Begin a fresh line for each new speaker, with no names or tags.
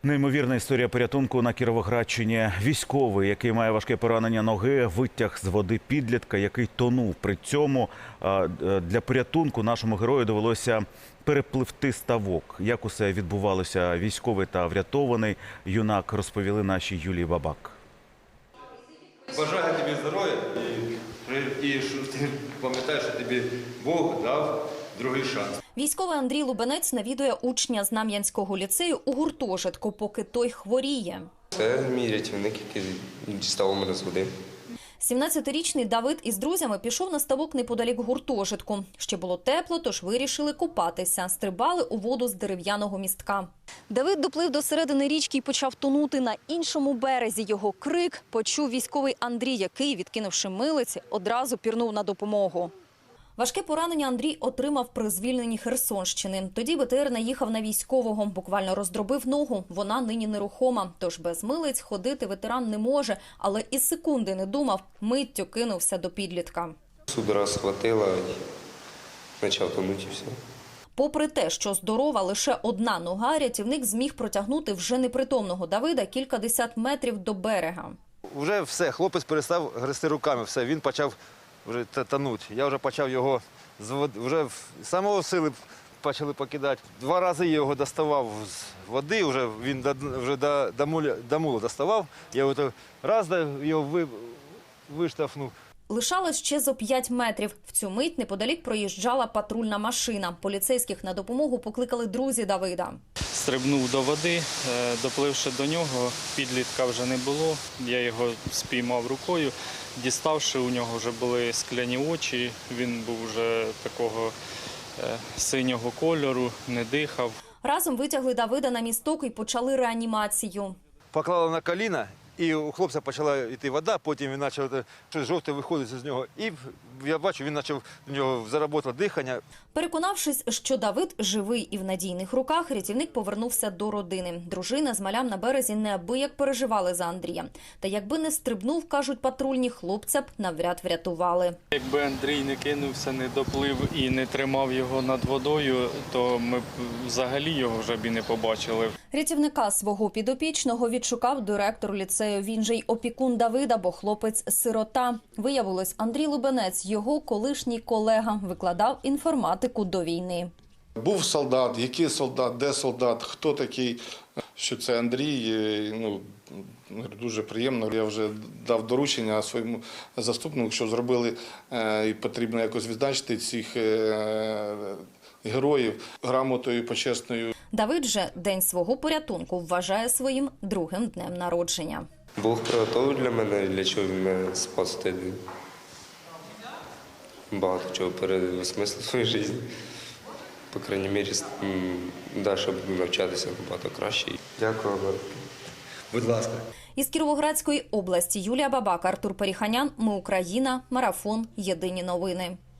Неймовірна історія порятунку на Кіровоградщині. Військовий, який має важке поранення ноги, витяг з води підлітка, який тонув. При цьому для порятунку нашому герою довелося перепливти ставок. Як усе відбувалося, військовий та врятований юнак розповіли нашій Юлії Бабак.
Бажаю тобі здоров'я і що ти пам'ятаєш, що тобі Бог дав другий шанс.
Військовий Андрій Лубенець навідує учня Знам'янського ліцею у гуртожитку, поки той хворіє.
Це мій рятівник, який дістав мене з води.
17-річний Давид із друзями пішов на ставок неподалік гуртожитку. Ще було тепло, тож вирішили купатися. Стрибали у воду з дерев'яного містка. Давид доплив до середини річки і почав тонути. На іншому березі його крик почув військовий Андрій, який, відкинувши милиці, одразу пірнув на допомогу. Важке поранення Андрій отримав при звільненні Херсонщини. Тоді БТР наїхав на військового, буквально роздробив ногу. Вона нині нерухома, тож без милиць ходити ветеран не може. Але і секунди не думав, миттю кинувся до підлітка.
Судора схватила і почав тонути і все.
Попри те, що здорова лише одна нога, рятівник зміг протягнути вже непритомного Давида кількадесят метрів до берега.
Вже все, хлопець перестав грести руками, все, він почав вже тонути. Я вже почав його з води, вже самого сили почали покидати. 2 рази я його доставав з води, вже він вже до мула доставав. Я його раз його виштовхнув.
Лишалось ще зо 5 метрів. В цю мить неподалік проїжджала патрульна машина. Поліцейських на допомогу покликали друзі Давида.
Стрибнув до води, допливши до нього, підлітка вже не було. Я його спіймав рукою, діставши, у нього вже були скляні очі, він був вже такого синього кольору, не дихав.
Разом витягли Давида на місток і почали реанімацію.
Поклали на коліна, і у хлопця почала йти вода, потім він почав щось жовте виходити з нього. І я бачу, він почав, у нього зароботало дихання.
Переконавшись, що Давид живий і в надійних руках, рятівник повернувся до родини. Дружина з малям на березі неабияк переживали за Андрія. Та якби не стрибнув, кажуть патрульні, хлопця б навряд врятували.
Якби Андрій не кинувся, не доплив і не тримав його над водою, то ми б взагалі його вже б і не побачили.
Рятівника свого підопічного відшукав директор ліцею. Він же й опікун Давида, бо хлопець – сирота. Виявилось, Андрій Лубенець, його колишній колега, викладав інформатику до війни.
Був солдат, який солдат, де солдат, хто такий, що це Андрій, дуже приємно. Я вже дав доручення своєму заступнику, що зробили, і потрібно якось відзначити цих героїв грамотою почесною.
Давид же день свого порятунку вважає своїм другим днем народження.
Бог приготовив для мене, для чого він мене спас той день. Багато чого переосмислив в своїй житті. По крайній мірі, далі буду навчатися набагато краще. Дякую.
Будь ласка.
Із Кіровоградської області Юлія Бабак, Артур Періханян. Ми Україна. Марафон. Єдині новини.